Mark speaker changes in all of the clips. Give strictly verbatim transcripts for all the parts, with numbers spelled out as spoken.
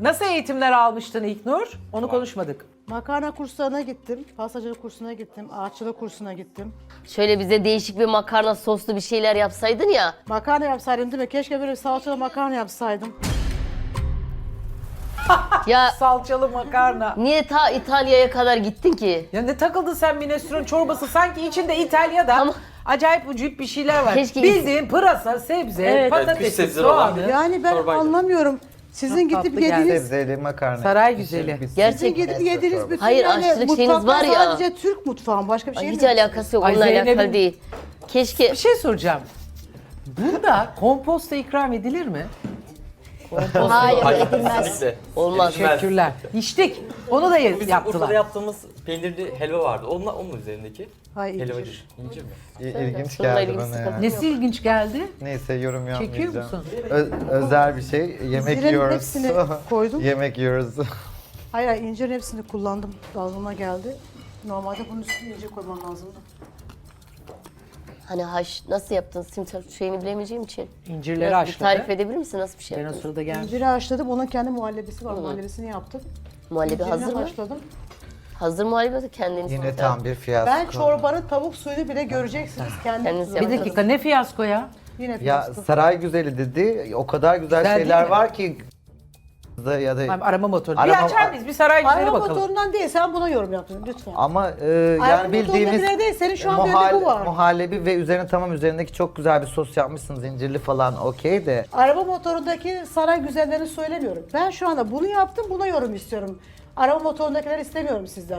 Speaker 1: Nasıl eğitimler almıştın İlknur? Onu konuşmadık.
Speaker 2: Makarna kurslarına gittim, pastacılık kursuna gittim, ağaççılık kursuna gittim.
Speaker 3: Şöyle bize değişik bir makarna soslu bir şeyler yapsaydın ya.
Speaker 2: Makarna yapsaydım değil mi? Keşke böyle salçalı makarna yapsaydım.
Speaker 3: Ya
Speaker 1: Salçalı makarna.
Speaker 3: niye ta İtalya'ya kadar gittin ki?
Speaker 1: Ya ne takıldın sen minestrone çorbası? Sanki içinde İtalya'da
Speaker 3: Ama-
Speaker 1: acayip ucuyup bir şeyler var.
Speaker 3: Keşke-
Speaker 1: Bildiğin pırasa, sebze,
Speaker 2: Evet.
Speaker 4: Evet,
Speaker 1: patatesi,
Speaker 4: kış sebzeleri olan
Speaker 1: soğanı.
Speaker 4: bir-
Speaker 2: Yani ben
Speaker 4: Çorbaydı.
Speaker 2: anlamıyorum. Sizin
Speaker 1: Çok
Speaker 2: gidip
Speaker 1: tatlı geldi.
Speaker 2: yediğiniz,
Speaker 5: Sebzeli makarna.
Speaker 1: Saray güzeli.
Speaker 5: Biz-
Speaker 3: Gerçek-
Speaker 2: sizin gidip
Speaker 5: Neyse,
Speaker 2: yediğiniz
Speaker 5: çorba.
Speaker 2: bütün
Speaker 3: Hayır,
Speaker 2: yani
Speaker 3: aşçılık şeyiniz
Speaker 2: mutfaklar
Speaker 3: var ya.
Speaker 2: sadece Türk mutfağı, başka bir şey
Speaker 3: Hiç
Speaker 2: mi?
Speaker 3: alakası yok.
Speaker 1: Ay
Speaker 3: Onunla
Speaker 1: Zeynep'in-
Speaker 3: alakalı değil. Keşke
Speaker 1: Bir şey soracağım. Bunda komposta ikram edilir mi?
Speaker 6: Hayır,
Speaker 4: Hayır,
Speaker 6: edilmez.
Speaker 4: kesinlikle.
Speaker 3: olmaz.
Speaker 1: Teşekkürler. İçtik. Onu da ye-
Speaker 4: Bizim
Speaker 1: yaptılar.
Speaker 4: Urfa'da yaptığımız peynirli helva vardı. Onunla, onun üzerindeki
Speaker 2: Hayır,
Speaker 4: helva
Speaker 2: incir.
Speaker 4: değil. İncir mi?
Speaker 5: İ- İlginç
Speaker 3: Sorunla
Speaker 5: geldi
Speaker 3: ilgili
Speaker 5: bana ya.
Speaker 3: sıkıntı
Speaker 1: Nesi ilginç geldi?
Speaker 5: Neyse yorum yapmayacağım.
Speaker 1: Çekiyor musun?
Speaker 5: Ö- özel bir şey. Yemek
Speaker 2: İncirin
Speaker 5: yiyoruz.
Speaker 2: hepsini koydum.
Speaker 5: Yemek yiyoruz.
Speaker 2: Hayır, hayır, incirin hepsini kullandım. Ağzıma geldi. Normalde bunun üstüne incir koymam lazımdı.
Speaker 3: Hani haş nasıl yaptın? Sim şeyini bilemeyeceğim için.
Speaker 1: İncirleri
Speaker 3: Biraz bir
Speaker 1: haşladı.
Speaker 3: tarif edebilir misin? Nasıl bir şey
Speaker 1: Ben o
Speaker 3: yaptın?
Speaker 1: sırada geldim.
Speaker 2: İnciri haşladım, onun kendi muhallebisi var. Muhallebisini yaptım.
Speaker 3: Muhallebi
Speaker 2: İncirini
Speaker 3: hazır mı?
Speaker 2: haşladım.
Speaker 3: Hazır muhallebi de kendiniz
Speaker 5: Yine
Speaker 3: yapın.
Speaker 5: tam bir fiyasko.
Speaker 2: Ben çorbanın tavuk suyunu bile göreceksiniz. Kendim
Speaker 3: Kendiniz
Speaker 2: kullandım.
Speaker 1: Bir dakika ne fiyasko ya?
Speaker 2: Yine
Speaker 5: Ya
Speaker 2: fiyasko.
Speaker 5: saray güzeli dedi. O kadar güzel,
Speaker 1: Güzel
Speaker 5: şeyler
Speaker 1: değil mi?
Speaker 5: var ki da ya da
Speaker 1: Abi, arama motoru.
Speaker 5: Arama-
Speaker 1: Bir açar mıyız? Bir saray güzeli
Speaker 2: Arama
Speaker 1: bakalım.
Speaker 2: motorundan değil, sen buna yorum yaptın lütfen.
Speaker 5: ama e,
Speaker 2: Arama
Speaker 5: yani bildiğimiz
Speaker 2: motorundakine değil, senin şu an bir önünde bu var.
Speaker 5: muhallebi ve üzerine tamam üzerindeki çok güzel bir sos yapmışsınız incirli falan okey de.
Speaker 2: Araba motorundaki saray güzellerini söylemiyorum. Ben şu anda bunu yaptım, buna yorum istiyorum. Araba motorundakileri istemiyorum sizden.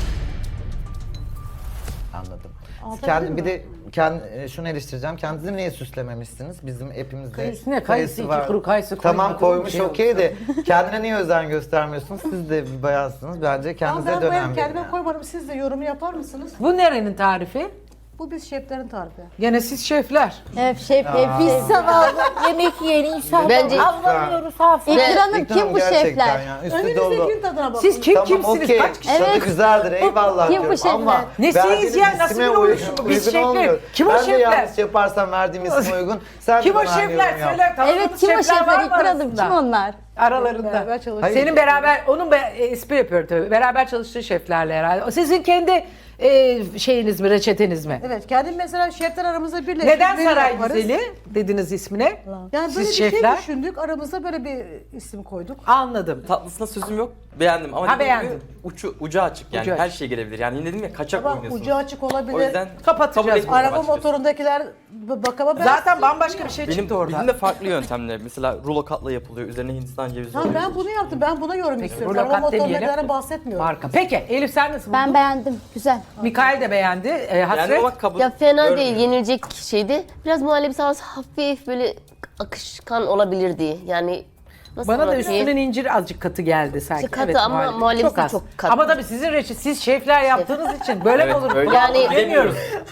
Speaker 5: Anladım. Siz
Speaker 2: Anlatabildim
Speaker 5: kendi,
Speaker 2: mi?
Speaker 5: bir de kendi, şunu eleştireceğim. Kendinizi niye süslememişsiniz? Bizim hepimizde
Speaker 1: Üstüne kayısı, iki kuru kayısı
Speaker 5: Tamam
Speaker 1: koymadın,
Speaker 5: koymuş
Speaker 1: bir şey
Speaker 5: okey de kendine niye özen göstermiyorsunuz? Siz de bir bayansınız. Bence
Speaker 2: Ama
Speaker 5: kendinize
Speaker 2: ben
Speaker 5: dönem
Speaker 2: benim
Speaker 5: verin.
Speaker 2: kendime koymadım, siz de yorumu yapar mısınız?
Speaker 1: Bu nerenin tarifi?
Speaker 2: Bu biz şeflerin tarifi.
Speaker 1: Gene siz şefler.
Speaker 6: Hep şef, hep biz zavallı yemek yiyen insanlar
Speaker 3: Bence-
Speaker 6: avlanıyoruz hafif.
Speaker 3: Ve-
Speaker 6: İkranım
Speaker 5: İkram
Speaker 6: kim bu
Speaker 5: gerçekten
Speaker 6: şefler?
Speaker 5: ya, üstü dolu.
Speaker 2: Önünüzdekinin tadına bakın.
Speaker 1: Siz kim
Speaker 5: Tamam
Speaker 1: kimsiniz?
Speaker 5: okey.
Speaker 1: Kaç kişi?
Speaker 5: Tadı
Speaker 6: Evet.
Speaker 5: güzeldir eyvallah
Speaker 6: Kim bu
Speaker 5: diyorum
Speaker 6: şefler?
Speaker 5: ama
Speaker 1: Nesiniz
Speaker 5: verdiğiniz
Speaker 1: ya? Nasıl
Speaker 5: isime
Speaker 1: bir
Speaker 5: uygun-
Speaker 1: oluşum bu? Biz
Speaker 5: uygun
Speaker 1: şefler.
Speaker 5: olmuyor.
Speaker 1: Kim o
Speaker 5: ben de
Speaker 1: şefler?
Speaker 5: yanlış yaparsam verdiğim isme uygun. Sen
Speaker 1: Kim
Speaker 5: de
Speaker 1: o
Speaker 5: bana aynı
Speaker 1: şefler?
Speaker 5: yorum yap.
Speaker 1: Söyle.
Speaker 6: Evet,
Speaker 1: tanıdığınız
Speaker 6: kim o
Speaker 1: var
Speaker 6: şefler?
Speaker 1: mı
Speaker 6: İkranım
Speaker 1: arasında?
Speaker 6: kim onlar?
Speaker 1: Aralarında.
Speaker 2: Beraber çalışıyoruz.
Speaker 5: Hayır.
Speaker 1: Senin beraber, onun be, e, espri yapıyor tabii. Beraber çalıştığı şeflerle herhalde. O sizin kendi e, şeyiniz mi, reçeteniz mi?
Speaker 2: Evet, kendim mesela şefler aramızda birleştik.
Speaker 1: Neden
Speaker 2: menü
Speaker 1: saray
Speaker 2: yaparız.
Speaker 1: güzeli dediniz ismine?
Speaker 2: Yani böyle
Speaker 1: Siz
Speaker 2: bir
Speaker 1: şefler.
Speaker 2: şey düşündük, aramızda böyle bir isim koyduk.
Speaker 1: Anladım.
Speaker 4: Tatlısına sözüm yok. Beğendim ama
Speaker 1: Ha,
Speaker 4: dediğim
Speaker 1: beğendin.
Speaker 4: gibi ucu, ucu açık yani
Speaker 1: Ucu
Speaker 4: her
Speaker 1: açık.
Speaker 4: şey gelebilir. Yani dedim ya kaçak
Speaker 2: Ama
Speaker 4: oynuyorsunuz.
Speaker 2: ucu açık olabilir.
Speaker 4: O yüzden
Speaker 1: Kapatacağız.
Speaker 4: kabul etmiyorum
Speaker 2: Araba
Speaker 4: açıkçası.
Speaker 2: motorundakiler b- bakama ben...
Speaker 1: Zaten bambaşka bir şey
Speaker 4: Benim,
Speaker 1: çıktı orada.
Speaker 4: bizim de farklı yöntemler. Mesela rulo katla yapılıyor. Üzerine Hindistan cevizi
Speaker 2: Ha,
Speaker 4: oluyor.
Speaker 2: ben bunu yaptım, ben buna yorum istiyorum.
Speaker 1: burada
Speaker 2: Araba
Speaker 1: kat demeyelim.
Speaker 2: motorundakilerden bahsetmiyorum.
Speaker 1: Marka. Peki Elif sen nasıl buldun?
Speaker 6: Ben beğendim. Güzel.
Speaker 1: Mikail de beğendi. E, Hasret.
Speaker 4: Yani ama kabul
Speaker 3: ya fena
Speaker 4: görmüyorum.
Speaker 3: değil, yenilecek şeydi. Biraz muhallebi havası hafif böyle akışkan olabilirdi. Yani nasıl
Speaker 1: Bana da
Speaker 3: anlatayım?
Speaker 1: üstünden incir azıcık katı geldi sanki.
Speaker 3: İşte katı ama muhallebisi
Speaker 1: az.
Speaker 3: çok katı.
Speaker 1: Ama tabii sizin reçet, siz şefler yaptığınız için böyle mi
Speaker 4: Evet,
Speaker 1: olur?
Speaker 4: öyle.
Speaker 3: Yani-
Speaker 1: Yani bilemiyoruz.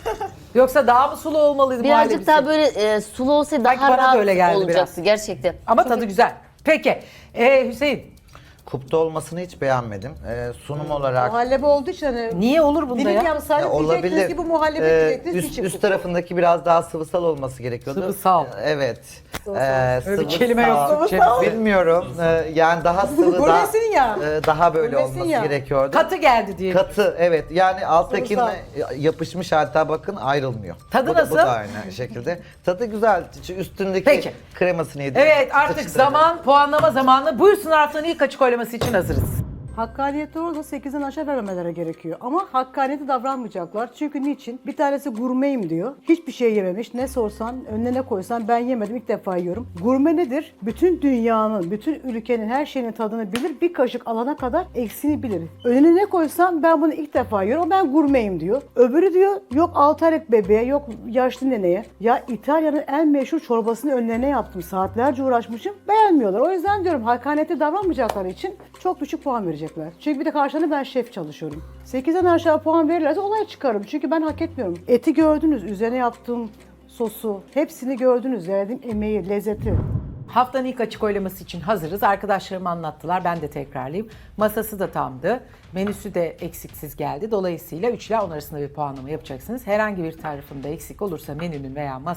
Speaker 1: Yoksa daha mı sulu olmalıydı
Speaker 3: Birazcık
Speaker 1: muhallebisi?
Speaker 3: daha böyle e, sulu olsaydı
Speaker 1: Sanki
Speaker 3: daha
Speaker 1: bana da
Speaker 3: rahat
Speaker 1: öyle geldi
Speaker 3: olacaktı
Speaker 1: biraz.
Speaker 3: gerçekten.
Speaker 1: Ama tadı güzel. Peki e, Hüseyin
Speaker 5: Kupta olmasını hiç beğenmedim. Ee, sunum olarak
Speaker 2: Muhallebi olduğu için hani...
Speaker 1: niye olur bunda
Speaker 2: Dilim
Speaker 1: ya?
Speaker 2: yapsaydı
Speaker 5: Ya
Speaker 2: diyecektiniz
Speaker 5: olabilir.
Speaker 2: ki bu muhallebi
Speaker 5: Ee,
Speaker 2: diyecektiniz.
Speaker 5: üst,
Speaker 2: hiç yok.
Speaker 5: üst tarafındaki biraz daha sıvısal olması gerekiyordu.
Speaker 1: Sıvısal.
Speaker 5: Ee, Evet.
Speaker 2: Sıvısal.
Speaker 5: Ee,
Speaker 1: Öyle bir
Speaker 5: sıvısal.
Speaker 1: kelime yok Türkçe.
Speaker 5: Bilmiyorum. Ee, yani daha sıvı
Speaker 2: Bu
Speaker 5: daha,
Speaker 2: nesin ya?
Speaker 5: e, daha böyle
Speaker 2: Bu nesin
Speaker 5: olması
Speaker 2: ya?
Speaker 5: gerekiyordu.
Speaker 1: Katı geldi diye.
Speaker 5: Katı evet yani alttakine
Speaker 2: Sıvısal.
Speaker 5: yapışmış hatta bakın ayrılmıyor.
Speaker 1: Tadı
Speaker 5: bu da,
Speaker 1: nasıl?
Speaker 5: Bu da aynı şekilde. Tadı güzel. Üstündeki
Speaker 1: Peki.
Speaker 5: kremasını yedim.
Speaker 1: Evet artık
Speaker 5: Sıçtı.
Speaker 1: zaman puanlama zamanı. Buyursunlar haftanın ilk açık oylaması için hazırız.
Speaker 2: Hakkaniyeti orada sekizden aşağı vermemeleri gerekiyor. Ama hakkaniyeti davranmayacaklar. Çünkü niçin? Bir tanesi gurmeyim diyor. Hiçbir şey yememiş. Ne sorsan, önüne ne koysan ben yemedim. İlk defa yiyorum. Gurme nedir? Bütün dünyanın, bütün ülkenin her şeyinin tadını bilir. Bir kaşık alana kadar eksiğini bilir. Önüne ne koysam ben bunu ilk defa yiyorum. Ben gurmeyim diyor. Öbürü diyor yok altı aylık bebeğe, yok yaşlı neneye. Ya İtalya'nın en meşhur çorbasını önlerine yaptım. Saatlerce uğraşmışım. Beğenmiyorlar. O yüzden diyorum hakkaniyeti davranmayacakları için çok düşük puan verecekler. Çünkü bir de karşılığında ben şef çalışıyorum. sekizden aşağı puan verirlerse olay çıkarım. Çünkü ben hak etmiyorum. Eti gördünüz, üzerine yaptığım sosu, hepsini gördünüz. Verdiğim emeği, lezzeti.
Speaker 1: Haftanın ilk açık oylaması için hazırız. Arkadaşlarım anlattılar. Ben de tekrarlayayım. Masası da tamdı. Menüsü de eksiksiz geldi. Dolayısıyla üç ile on arasında bir puanlama yapacaksınız. Herhangi bir tarifinde eksik olursa menünün veya masa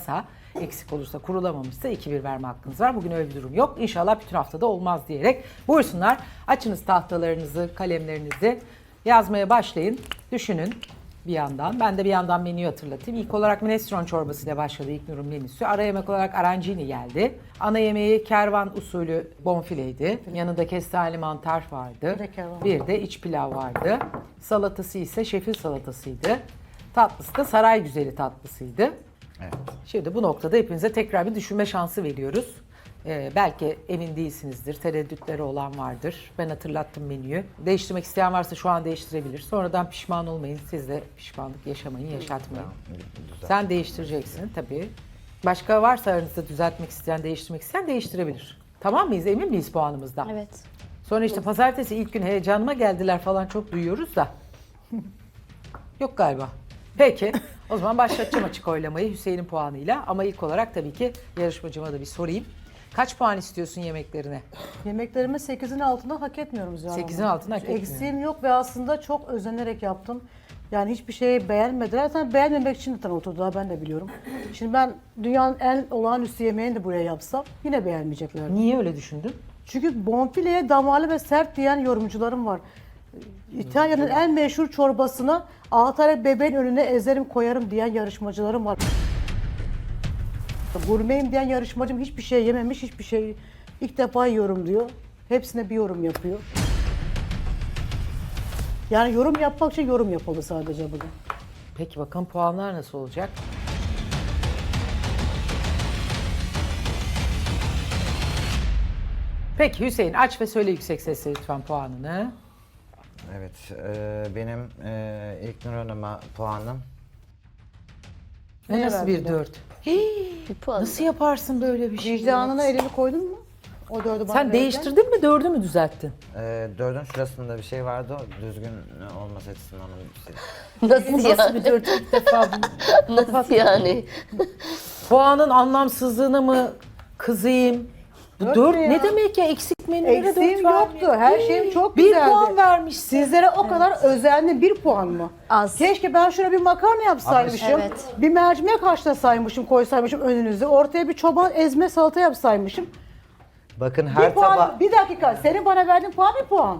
Speaker 1: Eksik olursa, kurulamamışsa iki bir verme hakkınız var. Bugün öyle bir durum yok. İnşallah bütün haftada olmaz diyerek buyursunlar. Açınız tahtalarınızı, kalemlerinizi, yazmaya başlayın. Düşünün bir yandan. Ben de bir yandan menüyü hatırlatayım. İlk olarak minestrone çorbasıyla başladı İlknur'un menüsü. Ara yemek olarak arancini geldi. Ana yemeği kervan usulü bonfileydi. Yanında kestane mantar vardı.
Speaker 2: Bir de kervan.
Speaker 1: Bir de iç pilav vardı. Salatası ise şefil salatasıydı. Tatlısı da saray güzeli tatlısıydı.
Speaker 5: Evet.
Speaker 1: Şimdi bu noktada hepinize tekrar bir düşünme şansı veriyoruz. Ee, belki emin değilsinizdir, tereddütleri olan vardır. Ben hatırlattım menüyü. Değiştirmek isteyen varsa şu an değiştirebilir. Sonradan pişman olmayın. Siz de pişmanlık yaşamayın, yaşatmayın. Sen değiştireceksin tabii. Başka varsa aranızda düzeltmek isteyen, değiştirmek isteyen değiştirebilir. Tamam mıyız? Emin miyiz puanımızdan?
Speaker 7: Evet.
Speaker 1: Sonra işte pazartesi ilk gün heyecanıma geldiler falan çok duyuyoruz da. Yok galiba. Peki. O zaman başlatacağım açık oylamayı Hüseyin'in puanıyla. Ama ilk olarak tabii ki yarışmacıma da bir sorayım. Kaç puan istiyorsun yemeklerine?
Speaker 2: Yemeklerimi sekizin altında hak etmiyorum Zühal Hanım.
Speaker 1: sekizin altında hak etmiyorum.
Speaker 2: Eksiğim yok ve aslında çok özenerek yaptım. Yani hiçbir şeyi beğenmediler. Zaten beğenmemek için de oturdular, ben de biliyorum. Şimdi ben dünyanın en olağanüstü yemeğini de buraya yapsam yine beğenmeyecekler.
Speaker 1: Niye öyle düşündün?
Speaker 2: Çünkü bonfileye damarlı ve sert diyen yorumcularım var. İtalya'nın en meşhur çorbasına altı tane bebeğin önüne ezerim koyarım diyen yarışmacılarım var. Gurmeyim diyen yarışmacım hiçbir şey yememiş, hiçbir şey ilk defa yiyorum diyor. Hepsine bir yorum yapıyor. Yani yorum yapmak için yorum yapıldı sadece bugün.
Speaker 1: Peki bakalım puanlar nasıl olacak? Peki Hüseyin aç ve söyle yüksek sesle lütfen puanını.
Speaker 5: Evet, e, benim e, İlknur Hanım'a puanım.
Speaker 1: Ne nasıl bir
Speaker 2: verdin?
Speaker 1: dört?
Speaker 3: Bir puan.
Speaker 1: Nasıl yaparsın böyle bir şey?
Speaker 2: Vicdanına elini koydun mu? O dördü bana
Speaker 1: Sen
Speaker 2: verirken.
Speaker 1: değiştirdin mi dördü mü düzelttin?
Speaker 5: E, dördün şurasında bir şey vardı, o düzgün olması açısından onun bir şey.
Speaker 3: Nasıl
Speaker 1: Nasıl
Speaker 3: yani?
Speaker 1: bir dört ilk defa?
Speaker 3: Nasıl yani?
Speaker 1: Puanın anlamsızlığına mı kızayım? Bu
Speaker 2: Dört
Speaker 1: dört
Speaker 2: ne ya?
Speaker 1: ne demek ya? Eksik menülere dört
Speaker 2: Eksiğim yoktu.
Speaker 1: vermiyor.
Speaker 2: Her şeyim çok
Speaker 1: Bir
Speaker 2: güzeldi.
Speaker 1: puan vermişsin.
Speaker 2: Sizlere o kadar özenli bir puan mı?
Speaker 7: Az.
Speaker 2: Keşke ben şuraya bir makarna yapsaymışım.
Speaker 7: Evet.
Speaker 2: Bir mercimek haşlasaymışım, koysaymışım önünüze. Ortaya bir çoban ezme salata yapsaymışım.
Speaker 5: Bakın
Speaker 2: Bir
Speaker 5: her
Speaker 2: puan,
Speaker 5: taba...
Speaker 2: bir dakika. Senin bana verdiğin puan bir puan.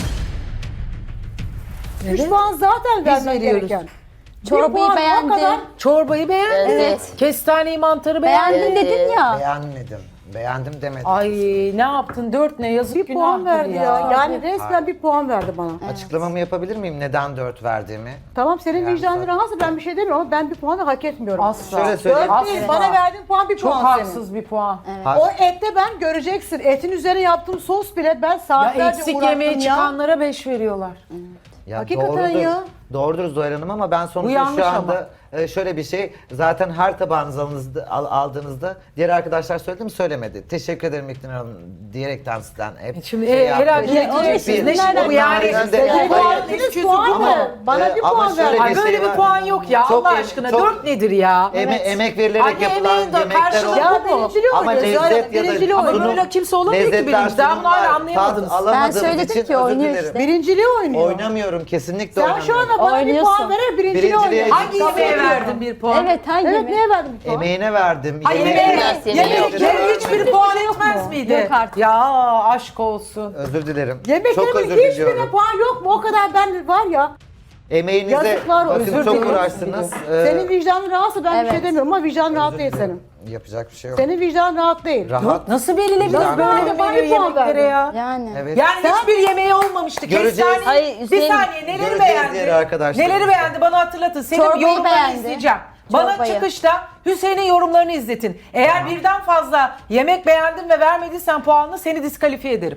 Speaker 2: Üç
Speaker 1: Evet.
Speaker 2: puan zaten vermen
Speaker 1: veriyoruz.
Speaker 2: gereken. Bir
Speaker 7: Çorbayı
Speaker 2: puan o
Speaker 7: beğendi.
Speaker 2: kadar.
Speaker 1: Çorbayı beğendin.
Speaker 3: Evet.
Speaker 1: Kestaneyi mantarı beğendin.
Speaker 7: Beğendin dedin ya.
Speaker 5: Beğenmedim, beğendim demedim.
Speaker 1: Ay ne yaptın? Dört ne? Yazık
Speaker 2: Bir
Speaker 1: günahtır
Speaker 2: puan verdi ya. Yani resmen
Speaker 5: Hayır.
Speaker 2: bir puan verdi bana.
Speaker 5: Açıklamamı yapabilir miyim neden dört verdiğimi?
Speaker 2: Tamam, senin
Speaker 5: Yani
Speaker 2: vicdanın
Speaker 5: zaten-
Speaker 2: rahatsız, ben bir şey demiyorum ama ben bir puanı hak etmiyorum.
Speaker 1: Asla.
Speaker 5: Şöyle söyleyeyim.
Speaker 2: Dört
Speaker 1: Asla.
Speaker 2: değil, bana verdiğin puan bir
Speaker 1: Çok
Speaker 2: puan senin.
Speaker 1: haksız bir puan.
Speaker 2: O ette ben göreceksin. Etin üzerine yaptığım sos bile ben
Speaker 1: Ya
Speaker 2: saatlerce
Speaker 1: eksik
Speaker 2: uğraştım
Speaker 1: yemeğe
Speaker 2: ya.
Speaker 1: çıkanlara beş veriyorlar.
Speaker 5: Ya
Speaker 2: Hakikaten
Speaker 5: doğrudur,
Speaker 2: ya.
Speaker 5: Doğrudur Zuhal Hanım ama ben
Speaker 1: Bu
Speaker 5: sonuçta
Speaker 1: yanlış
Speaker 5: şu
Speaker 1: ama.
Speaker 5: anda e, şöyle bir şey, zaten her tabağınızı alınızda- al- aldığınızda diğer arkadaşlar söyledi mi söylemedi. Teşekkür ederim İlknur Hanım diyerekten sizden hep
Speaker 1: Şimdi
Speaker 5: şey
Speaker 1: e, herhalde
Speaker 5: yaptı.
Speaker 1: ne diyeceksiniz? Ne
Speaker 5: Bir-
Speaker 1: şimdi bu yani?
Speaker 5: Onlardan da-
Speaker 2: Senin
Speaker 5: Hayır.
Speaker 2: verdiniz puan
Speaker 5: Ama-
Speaker 2: mı? Bana
Speaker 5: e,
Speaker 2: bir
Speaker 5: ama
Speaker 2: puan
Speaker 5: şöyle
Speaker 2: verdin.
Speaker 1: Ay
Speaker 5: bir
Speaker 1: böyle
Speaker 5: şey
Speaker 1: bir
Speaker 5: var.
Speaker 1: puan yok ya
Speaker 5: Çok
Speaker 1: Allah
Speaker 5: em-
Speaker 1: aşkına.
Speaker 5: çok-
Speaker 1: Dört nedir ya?
Speaker 5: Eme- emek verilerek
Speaker 1: Anne
Speaker 5: yapılan
Speaker 1: emeğin de
Speaker 5: yemekler
Speaker 1: karşılığı
Speaker 5: olur.
Speaker 2: Ya
Speaker 1: bu mu?
Speaker 2: birincili
Speaker 5: Ama
Speaker 2: oynuyor.
Speaker 5: lezzet
Speaker 2: Zaten
Speaker 5: ya da
Speaker 2: birincili
Speaker 1: Ama
Speaker 2: oynuyor.
Speaker 1: böyle kimse olamıyor ki
Speaker 5: lezzetler,
Speaker 1: birinci. Daha bunu hala
Speaker 5: sunumlar,
Speaker 1: anlayamadınız.
Speaker 5: tat alamadığımız
Speaker 7: söyledim
Speaker 5: için
Speaker 7: ki
Speaker 5: özür
Speaker 7: oynuyor
Speaker 5: dilerim.
Speaker 7: işte.
Speaker 2: Birinciliği oynuyor.
Speaker 5: Oynamıyorum, kesinlikle
Speaker 2: Sen
Speaker 5: oynamıyorum.
Speaker 2: şu anda bana bir
Speaker 7: Oynuyorsun.
Speaker 2: puan verir, birinciliği
Speaker 5: Birinciliğe-
Speaker 2: oynuyor.
Speaker 1: Hangi yemeğe verdin bir puan?
Speaker 7: Evet hangi
Speaker 2: Evet,
Speaker 7: yemek?
Speaker 2: neye verdin bir puan?
Speaker 5: Emeğine verdim.
Speaker 1: Ay
Speaker 5: yemeğine-
Speaker 1: yemeğe
Speaker 3: Biraz yemeğe
Speaker 1: yemek
Speaker 3: yok.
Speaker 1: yemeğe hiçbir puan etmez miydi?
Speaker 7: Yok artık.
Speaker 1: Ya aşk olsun.
Speaker 5: Özür dilerim. Çok
Speaker 2: Yemeklerimin
Speaker 5: özür
Speaker 2: hiçbirine
Speaker 5: diliyorum.
Speaker 2: puan yok mu? O kadar ben var ya.
Speaker 5: Emeğinize
Speaker 2: Yazıklar olsun.
Speaker 5: bakın
Speaker 1: Özür
Speaker 5: çok
Speaker 1: dilerim.
Speaker 5: uğraştınız. Ee,
Speaker 2: Senin vicdanın rahatsız, ben bir şey
Speaker 7: Evet.
Speaker 2: demiyorum ama vicdanın rahat değil senin.
Speaker 5: Yapacak bir şey yok.
Speaker 2: Senin vicdanın rahat değil.
Speaker 5: Rahat.
Speaker 1: Nasıl belirlediniz
Speaker 5: Vicdan-
Speaker 1: böyle
Speaker 2: Bana
Speaker 1: bir
Speaker 2: bir
Speaker 1: menü
Speaker 2: puan
Speaker 1: yemeklere
Speaker 2: verdin.
Speaker 1: ya?
Speaker 7: Yani.
Speaker 5: Evet.
Speaker 1: Yani hiçbir yemeği olmamıştı.
Speaker 5: Göreceğiz.
Speaker 1: Kestane.
Speaker 3: Hayır,
Speaker 1: bir
Speaker 3: Hüseyin-
Speaker 1: saniye neleri
Speaker 5: Göreceğiz
Speaker 1: beğendi?
Speaker 5: diğer arkadaşlarımızla.
Speaker 1: Neleri beğendi bana hatırlatın. Senin
Speaker 7: Çorbayı
Speaker 1: yorumlarını
Speaker 7: beğendi.
Speaker 1: izleyeceğim. Bana
Speaker 7: Çorbayı.
Speaker 1: çıkışta Hüseyin'in yorumlarını izletin. Eğer birden fazla yemek beğendin ve vermediysen puanını seni diskalifiye ederim.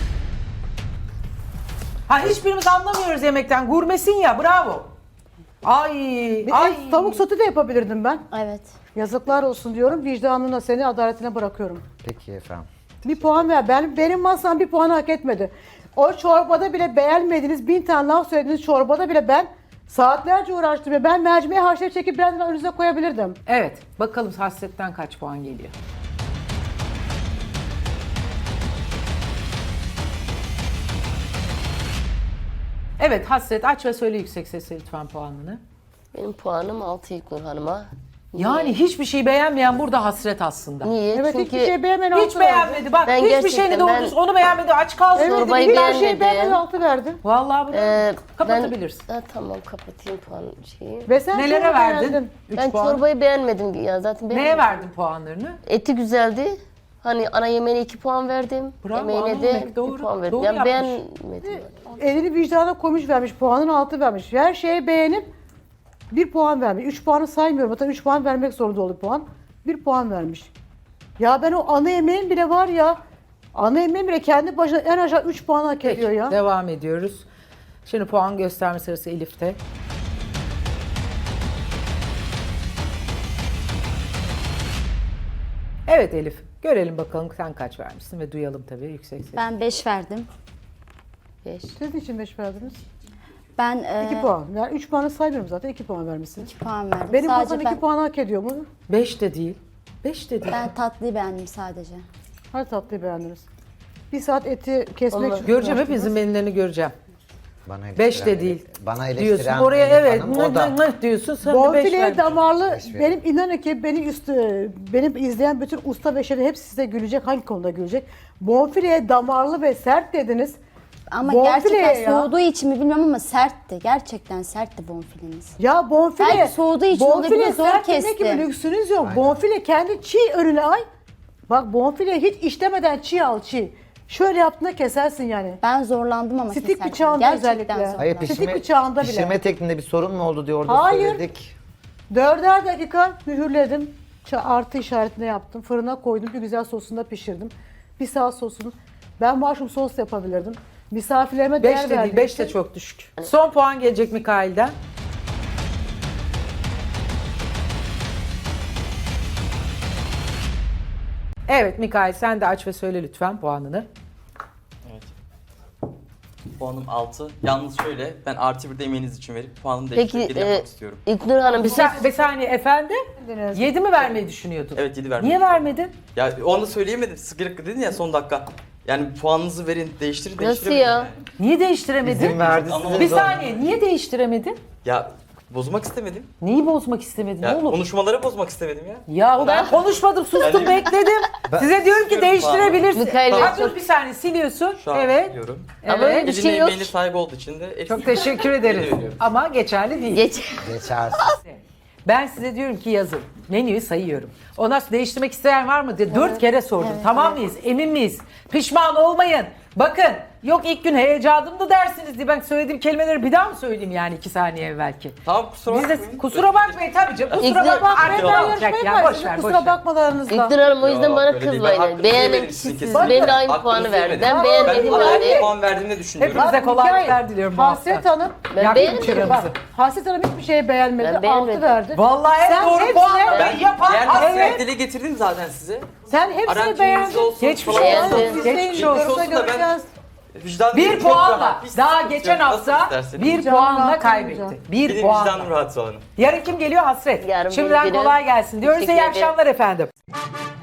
Speaker 1: Ha hiçbirimiz anlamıyoruz yemekten. Gurmesin ya bravo. Ay
Speaker 2: Bir
Speaker 1: ay.
Speaker 2: et, tavuk sotu da yapabilirdim ben.
Speaker 7: Evet.
Speaker 2: Yazıklar olsun diyorum. Vicdanına, seni adaletine bırakıyorum.
Speaker 5: Peki efendim.
Speaker 2: Bir puan ver. Ben, benim masam bir puan hak etmedi. O çorbada bile beğenmediniz. Bin tane laf söylediğiniz çorbada bile ben saatlerce uğraştım. Ya ben mercimeği haşlayıp çekip birazdan önünüze koyabilirdim.
Speaker 1: Evet bakalım hasretten kaç puan geliyor. Evet Hasret aç ve söyle yüksek sesle lütfen puanını.
Speaker 3: Benim puanım altı İlknur Hanım'a.
Speaker 1: Yani hiçbir şey beğenmeyen burada hasret aslında.
Speaker 3: Niye?
Speaker 2: Evet
Speaker 3: Çünkü
Speaker 2: hiçbir şey beğenmeden
Speaker 1: Hiç
Speaker 2: altı verdi.
Speaker 1: beğenmedi. Bak
Speaker 3: Ben
Speaker 1: hiçbir
Speaker 3: gerçekten
Speaker 1: şeyini doğru
Speaker 3: ben-
Speaker 1: düzgün onu beğenmedi. Aç kaldı.
Speaker 2: Evet,
Speaker 3: Çorbayı
Speaker 2: hiçbir
Speaker 3: beğenmedi.
Speaker 2: şey beğenmeden altı verdi.
Speaker 1: Vallahi bravo.
Speaker 3: e,
Speaker 1: Kapatabilirsin.
Speaker 3: Ben, ha, tamam kapatayım puan şeyi.
Speaker 2: Ve sen
Speaker 1: Nelere
Speaker 2: çorba
Speaker 1: verdin?
Speaker 2: beğendin.
Speaker 1: üç
Speaker 3: Ben
Speaker 1: puan.
Speaker 3: çorbayı beğenmedim ya zaten
Speaker 1: Neye
Speaker 3: beğenmedim.
Speaker 1: verdin puanlarını?
Speaker 3: Eti güzeldi. Hani ana yemeğine iki puan verdim.
Speaker 1: Bravo, ana
Speaker 3: Yemeğine de
Speaker 1: yemek doğru,
Speaker 3: bir puan verdim.
Speaker 1: doğru
Speaker 3: yani
Speaker 1: yapmış.
Speaker 3: beğenmedim.
Speaker 2: Elini vicdana koymuş vermiş. Puanını altı vermiş. Her şeye beğenip bir puan vermiş. Üç puanı saymıyorum. Hatta üç puan vermek zorunda oldu puan. Bir puan vermiş. Ya ben o ana yemeğin bile var ya. Ana yemeğin bile kendi başına en aşağı üç puan hak
Speaker 1: Peki,
Speaker 2: ediyor ya.
Speaker 1: devam ediyoruz. Şimdi puan gösterme sırası Elif'te. Evet Elif, görelim bakalım sen kaç vermişsin ve duyalım tabii yüksek ses.
Speaker 7: Ben beş verdim.
Speaker 3: Beş.
Speaker 2: Siz niçin beş verdiniz?
Speaker 7: Ben e,
Speaker 2: iki puan. Yani üç puanı saymıyorum zaten. iki puan vermişsin.
Speaker 7: iki puan verdim.
Speaker 2: Benim
Speaker 7: sadece
Speaker 2: masam
Speaker 7: ben,
Speaker 2: iki puan hak ediyor mu?
Speaker 1: Beş de değil. Beş de değil.
Speaker 7: ben tatlıyı beğendim sadece.
Speaker 2: Her tatlıyı beğendiniz. Bir saat eti kesmek
Speaker 3: Allah.
Speaker 2: için
Speaker 1: Göreceğim,
Speaker 2: uğraştınız.
Speaker 1: hepinizin menülerini göreceğim.
Speaker 5: Bana
Speaker 1: Beş de
Speaker 5: eleştiren-
Speaker 1: değil.
Speaker 5: Bana
Speaker 1: Diyorsun.
Speaker 5: eleştiren
Speaker 1: Oraya
Speaker 5: Elif
Speaker 1: evet,
Speaker 5: Hanım,
Speaker 1: mıh
Speaker 5: o da
Speaker 1: mıh mıh diyorsun, sen de beş
Speaker 2: Bonfile
Speaker 1: vermişsin.
Speaker 2: damarlı,
Speaker 5: Beş verin.
Speaker 2: benim inanın ki beni üstü, benim izleyen bütün usta ve şefim hepsi size gülecek. Hangi konuda gülecek? Bonfileye damarlı ve sert dediniz.
Speaker 7: Ama
Speaker 2: Bonfile
Speaker 7: gerçekten
Speaker 2: ya.
Speaker 7: soğuduğu için mi bilmiyorum ama sertti. Gerçekten sertti bonfileniz.
Speaker 2: Ya bonfile,
Speaker 7: Belki soğuduğu için olabilir, zor
Speaker 2: sert demek
Speaker 7: kesti.
Speaker 2: gibi lüksünüz yok. Bonfile kendi çiğ önüne ay. Bak bonfile hiç işlemeden çiğ al çiğ. Şöyle yaptığında kesersin yani.
Speaker 7: Ben zorlandım ama
Speaker 2: Stik
Speaker 7: keserken.
Speaker 2: bıçağında
Speaker 7: Gerçekten
Speaker 2: özellikle.
Speaker 7: zorlandım.
Speaker 5: Hayır
Speaker 2: Stik
Speaker 5: pişirme,
Speaker 2: bıçağında bile.
Speaker 5: pişirme tekniğinde bir sorun mu oldu diye orada
Speaker 2: Hayır.
Speaker 5: söyledik.
Speaker 2: Dörder dakika mühürledim. Ça- Artı işaretine yaptım. Fırına koydum. Bir güzel sosunda pişirdim. Bir saat sosunu. Ben mushroom sos yapabilirdim. Misafirlerime
Speaker 1: Beş
Speaker 2: değer
Speaker 1: de değil,
Speaker 2: verdiğim
Speaker 1: beş de
Speaker 2: için-
Speaker 1: çok düşük. Son puan gelecek Mikail'den. Evet Mikail sen de aç ve söyle lütfen puanını.
Speaker 4: Evet. Puanım altı. Yalnız şöyle, ben artı bir de emeğiniz için verip puanımı
Speaker 3: Peki
Speaker 4: değiştirip
Speaker 3: e,
Speaker 4: yapmak istiyorum.
Speaker 3: İlknur Hanım bir
Speaker 1: Bir,
Speaker 3: şey
Speaker 1: sa- bir saniye efendim. Yedi mi vermeyi düşünüyordun?
Speaker 4: Evet, yedi vermeyi
Speaker 1: Niye vermedin?
Speaker 4: Ya onu da söyleyemedim. Sıkırık dedin ya son dakika. Yani puanınızı verin, değiştirin,
Speaker 3: Nasıl
Speaker 4: değiştiremedim
Speaker 3: ya?
Speaker 4: yani.
Speaker 1: Niye değiştiremedin?
Speaker 5: İzin verdi
Speaker 4: Ama-
Speaker 5: size
Speaker 1: Bir
Speaker 5: zor.
Speaker 1: saniye niye değiştiremedin?
Speaker 4: Ya bozmak istemedim.
Speaker 1: Neyi bozmak istemedin
Speaker 4: Ya
Speaker 1: oğlum?
Speaker 4: konuşmaları bozmak istemedim ya.
Speaker 1: Ya ben konuşmadım sustum
Speaker 4: Yani-
Speaker 1: bekledim. Size diyorum ki
Speaker 4: Istiyorum
Speaker 1: değiştirebilirsin.
Speaker 3: Mikail
Speaker 1: Ha,
Speaker 3: Bey,
Speaker 1: dur bir saniye siliyorsun.
Speaker 4: Şu an
Speaker 1: Evet.
Speaker 4: biliyorum.
Speaker 3: Ama
Speaker 1: Evet.
Speaker 3: bir şey
Speaker 4: Eline
Speaker 3: yok.
Speaker 4: emeğine sahip olduğu için de eksik.
Speaker 1: Çok teşekkür ederiz.
Speaker 4: Veriyorum.
Speaker 1: Ama geçerli değil.
Speaker 3: geç.
Speaker 5: Geçersiz.
Speaker 1: Ben size diyorum ki yazın. Menüyü sayıyorum. Ondan sonra değiştirmek isteyen var mı diye dört kere sordum. Tamam mıyız? Emin miyiz? Pişman olmayın. Bakın yok ilk gün heyecanımdı dersiniz diye ben söylediğim kelimeleri bir daha mı söyleyeyim yani iki saniye evvelki?
Speaker 4: Tamam, kusura
Speaker 1: Biz de
Speaker 4: bakmayın.
Speaker 1: kusura bakmayın tabii canım. Kusura
Speaker 3: İlk-
Speaker 1: bakma.
Speaker 2: Bak
Speaker 1: Artık
Speaker 2: ben
Speaker 1: olacak
Speaker 2: yarışmayı
Speaker 1: ya. Boş
Speaker 2: paylaştım.
Speaker 1: ver boş
Speaker 2: Kusura
Speaker 1: ver.
Speaker 2: bakmalarınızla.
Speaker 3: İlknur Hanım o yüzden
Speaker 4: Yok,
Speaker 3: bana
Speaker 4: öyle değil. Ben
Speaker 3: kızmayın.
Speaker 4: hakkınızı
Speaker 3: Beğenen
Speaker 4: yemedim
Speaker 3: kişi
Speaker 4: sizin
Speaker 3: siz.
Speaker 4: kesin.
Speaker 3: Ben de aynı
Speaker 4: Hakkınızı
Speaker 3: puanı verdim.
Speaker 4: yemedim.
Speaker 3: Ben
Speaker 4: Ben
Speaker 3: beğenmedim
Speaker 4: aynı
Speaker 3: yani.
Speaker 4: puan verdiğini düşünüyorum.
Speaker 1: Hepimize kolaylıklar diliyorum bu hafta.
Speaker 2: Hasret Hanım,
Speaker 3: Ben
Speaker 1: Yaktın
Speaker 3: beğenmedim.
Speaker 1: çıramızı.
Speaker 2: bak Hasret Hanım hiçbir şeye beğenmedi.
Speaker 3: Ben
Speaker 2: Altı
Speaker 3: beğenmedim.
Speaker 2: verdi.
Speaker 1: Vallahi en
Speaker 2: Sen
Speaker 1: doğru
Speaker 2: hepsine-
Speaker 1: puanlamayı
Speaker 4: Ben
Speaker 1: yapan
Speaker 4: diğer
Speaker 1: Hasret.
Speaker 4: hasret dile getirdim zaten size.
Speaker 2: Sen hepsini
Speaker 4: Arancınız
Speaker 2: beğendin.
Speaker 4: olsun,
Speaker 1: Geçmiş
Speaker 4: falan
Speaker 1: olsun.
Speaker 4: olsun.
Speaker 3: Beğendim.
Speaker 1: Geçmiş
Speaker 2: Geçmiş
Speaker 1: olsun.
Speaker 2: olsun.
Speaker 4: olsun da ben-
Speaker 2: Göreceğiz.
Speaker 4: Vicdanım
Speaker 1: Bir
Speaker 4: çok
Speaker 1: puanla
Speaker 4: rahat. Hiç
Speaker 1: daha
Speaker 4: sıkıntı
Speaker 1: geçen
Speaker 4: yok. Nasıl
Speaker 1: hafta
Speaker 4: isterseniz.
Speaker 1: bir
Speaker 2: Canım
Speaker 1: puanla
Speaker 2: rahat
Speaker 1: kaybetti.
Speaker 2: olacak.
Speaker 1: Bir
Speaker 4: Benim
Speaker 1: puanla.
Speaker 4: vicdanım rahat Soğan'ım.
Speaker 1: Yarın kim geliyor? Hasret.
Speaker 3: Yarın
Speaker 1: Şimdiden
Speaker 3: benim
Speaker 1: kolay gelsin diyoruz. İyi
Speaker 3: Teşekkür ederim.
Speaker 1: akşamlar efendim.